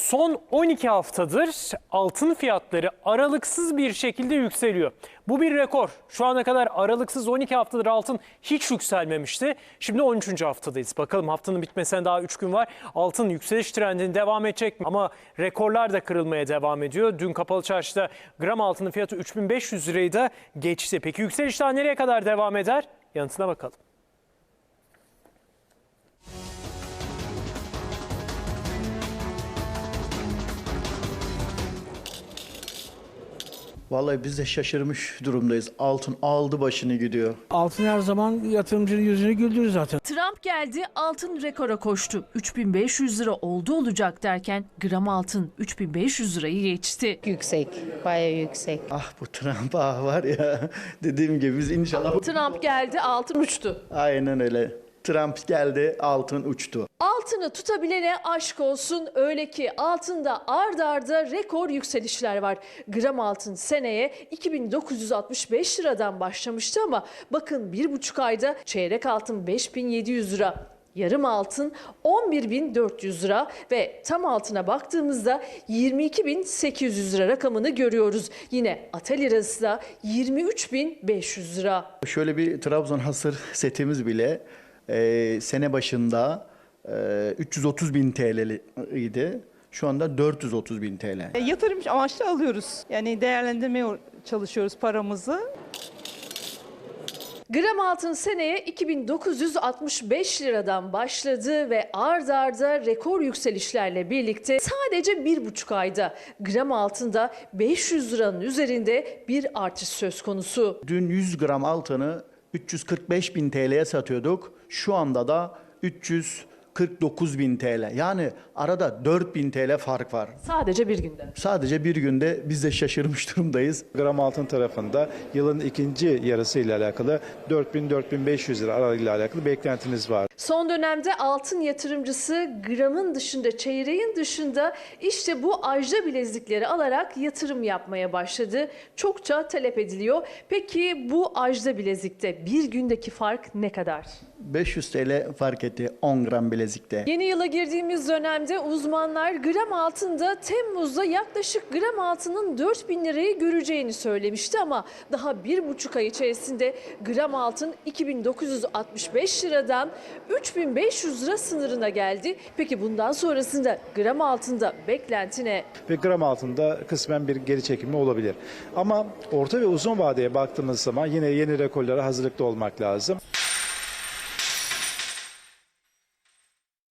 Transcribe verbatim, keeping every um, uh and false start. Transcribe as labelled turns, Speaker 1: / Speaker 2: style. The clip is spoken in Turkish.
Speaker 1: Son on iki haftadır altın fiyatları aralıksız bir şekilde yükseliyor. Bu bir rekor. Şu ana kadar aralıksız on iki haftadır altın hiç yükselmemişti. Şimdi on üçüncü haftadayız. Bakalım haftanın bitmesine daha üç gün var. Altın yükseliş trendini devam edecek mi? Ama rekorlar da kırılmaya devam ediyor. Dün kapalı çarşıda gram altının fiyatı üç bin beş yüz lirayı da geçti. Peki yükseliş daha nereye kadar devam eder? Yanıtına bakalım.
Speaker 2: Vallahi biz de şaşırmış durumdayız. Altın aldı başını gidiyor.
Speaker 3: Altın her zaman yatırımcının yüzünü güldürür zaten.
Speaker 4: Trump geldi, altın rekora koştu. üç bin beş yüz lira oldu olacak derken gram altın üç bin beş yüz lirayı geçti.
Speaker 5: Yüksek, bayağı yüksek.
Speaker 2: Ah bu Trump ah var ya dediğim gibi biz inşallah...
Speaker 4: Trump geldi, altın uçtu.
Speaker 2: Aynen öyle. Trump geldi altın uçtu.
Speaker 4: Altını tutabilene aşk olsun. Öyle ki altında ard arda rekor yükselişler var. Gram altın seneye iki bin dokuz yüz altmış beş liradan başlamıştı ama bakın bir buçuk ayda çeyrek altın beş bin yedi yüz lira. Yarım altın on bir bin dört yüz lira ve tam altına baktığımızda yirmi iki bin sekiz yüz lira rakamını görüyoruz. Yine Ata lirası da yirmi üç bin beş yüz lira.
Speaker 2: Şöyle bir Trabzon hasır setimiz bile e, sene başında e, üç yüz otuz bin T L idi. Şu anda dört yüz otuz bin T L.
Speaker 6: E, Yatırım amaçlı alıyoruz. Yani değerlendirmeye çalışıyoruz paramızı.
Speaker 4: Gram altın seneye iki bin dokuz yüz altmış beş liradan başladı ve ard arda rekor yükselişlerle birlikte sadece bir buçuk ayda gram altında beş yüz liranın üzerinde bir artış söz konusu.
Speaker 2: Dün yüz gram altını üç yüz kırk beş bin T L'ye satıyorduk. Şu anda da üç yüz kırk dokuz bin T L. Yani arada dört bin T L fark var.
Speaker 4: Sadece bir günde.
Speaker 2: Sadece bir günde biz de şaşırmış durumdayız.
Speaker 7: Gram altın tarafında yılın ikinci yarısı ile alakalı dört bin dört bin beş yüz lira aralığıyla alakalı beklentimiz var.
Speaker 4: Son dönemde altın yatırımcısı gramın dışında, çeyreğin dışında işte bu ajda bilezikleri alarak yatırım yapmaya başladı. Çokça talep ediliyor. Peki bu ajda bilezikte bir gündeki fark ne kadar?
Speaker 2: beş yüz T L fark etti on gram bilezikte.
Speaker 4: Yeni yıla girdiğimiz dönemde uzmanlar gram altında Temmuz'da yaklaşık gram altının dört bin lirayı göreceğini söylemişti ama daha bir buçuk ay içerisinde gram altın iki bin dokuz yüz altmış beş liradan üç bin beş yüz lira sınırına geldi. Peki bundan sonrasında gram altında beklenti ne?
Speaker 7: Ve gram altında kısmen bir geri çekilme olabilir. Ama orta ve uzun vadeye baktığımız zaman yine yeni rekorlara hazırlıklı olmak lazım.